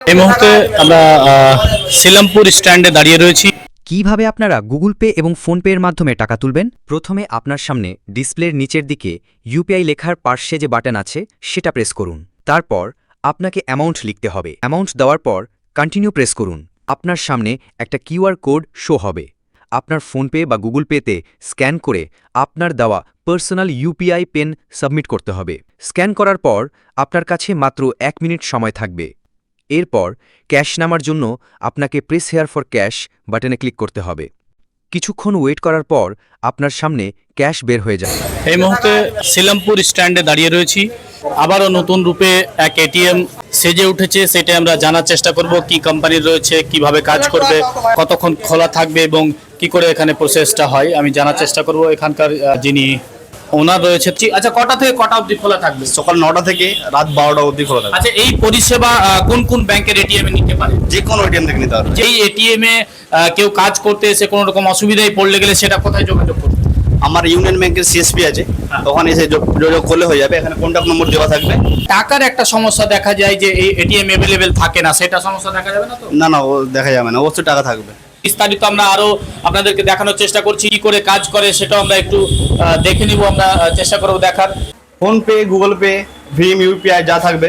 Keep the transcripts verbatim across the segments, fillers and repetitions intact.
এই মুহূর্তে আমরা আহ, শিলামপুর স্ট্যান্ডে দাঁড়িয়ে রয়েছি। কিভাবে আপনারা গুগল পে এবং ফোনপে এর মাধ্যমে টাকা তুলবেন? প্রথমে আপনার সামনে ডিসপ্লের নিচের দিকে ইউপিআই লেখার পার্শ্বে যে বাটন আছে সেটা প্রেস করুন। তারপর আপনাকে অ্যামাউন্ট লিখতে হবে। অ্যামাউন্ট দেওয়ার পর কন্টিনিউ প্রেস করুন। আপনার সামনে একটা কিউআর কোড শো হবে। আপনার ফোনপে বা গুগল পেতে স্ক্যান করে আপনার দেওয়া পার্সোনাল ইউপিআই পিন সাবমিট করতে হবে। স্ক্যান করার পর আপনার কাছে মাত্র এক মিনিট সময় থাকবে। এরপর ক্যাশ নামার জন্য আপনাকে প্রেস হেয়ার ফর ক্যাশ বাটনে ক্লিক করতে হবে। কিছুক্ষণ ওয়েট করার পর আপনার সামনে ক্যাশ বের হয়ে যাবে। এই মুহূর্তে শিলামপুর স্ট্যান্ডে দাঁড়িয়ে রয়েছি। আবারও নতুন রূপে এক এটিএম সেজে উঠেছে, সেটা আমরা জানার চেষ্টা করব কি কোম্পানির রয়েছে, কিভাবে কাজ করবে, কতক্ষণ খোলা থাকবে এবং কি করে এখানে প্রসেসটা হয় আমি জানার চেষ্টা করব। এখানকার আহ, যিনি ওনার রয়েছে, আচ্ছা কটা থেকে কটা অবধি খোলা থাকবে? সকাল নটা থেকে রাত বারোটা অবধি খোলা থাকে। আচ্ছা, এই পরিষেবা আহ, কোন কোন ব্যাংকের এটিএম এ নিতে পারে? যে কোনো এটিএম থেকে নিতে পারবে। যেই এটিএম এ আহ, কেউ কাজ করতে এসে কোনো রকম অসুবিধায় পড়লে গেলে সেটা কোথায় যোগাযোগ করবে? আমার ইউনিয়ন ব্যাংকের সিএসপি আছে, হ্যাঁ। তখন এসে যোগ- যোগাযোগ করলে হয়ে যাবে। এখানে কন্ট্যাক্ট নম্বর দেওয়া থাকবে। টাকার একটা সমস্যা দেখা যায় যে এই এটিএম অ্যাভেলেবেল থাকে না, সেটা সমস্যা দেখা যাবে না তো? না না, ও দেখা যাবে না, অবশ্যই টাকা থাকবে। বিস্তারিত আমরা আরো আপনাদেরকে দেখানোর চেষ্টা করছি, কি করে কাজ করে সেটাও আমরা একটু আহ, দেখে নিব, আমরা আহ, চেষ্টা করব দেখার। ফোনপে, গুগল পে, ভীম, ইউপিআই যা থাকবে,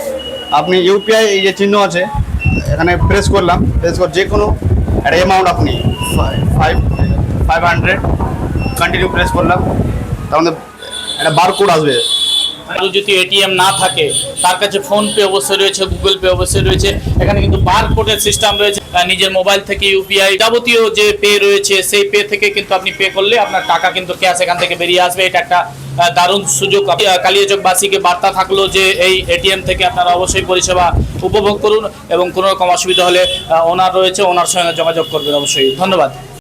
আপনি ইউপিআই এই যে চিহ্ন আছে এখানে প্রেস করলাম, প্রেস করে যে কোনো একটা অ্যামাউন্ট আপনি five five hundred continue press করলাম, তার মধ্যে একটা বারকোড আসবে। আর যদি এটিএম না থাকে তার কাছে ফোন পে অবশ্যই রয়েছে, গুগল পে অবশ্যই রয়েছে। এখানে কিন্তু বারকোডের সিস্টেম রয়েছে। আহ, নিজের মোবাইল থেকে ইউপিআই যাবতীয় যে পে রয়েছে সেই পে থেকে কিন্তু আপনি পে করলে আপনার টাকা কিন্তু ক্যাশ এখান থেকে বেরিয়ে আসবে। এটা একটা আহ, দারুণ সুযোগ। আহ, কালিয়াচকবাসীকে বার্তা থাকলো যে এই এটিএম থেকে আপনারা অবশ্যই পরিষেবা উপভোগ করুন এবং কোনো রকম অসুবিধা হলে আহ, ওনার রয়েছে, ওনার সঙ্গে যোগাযোগ করবেন অবশ্যই। ধন্যবাদ।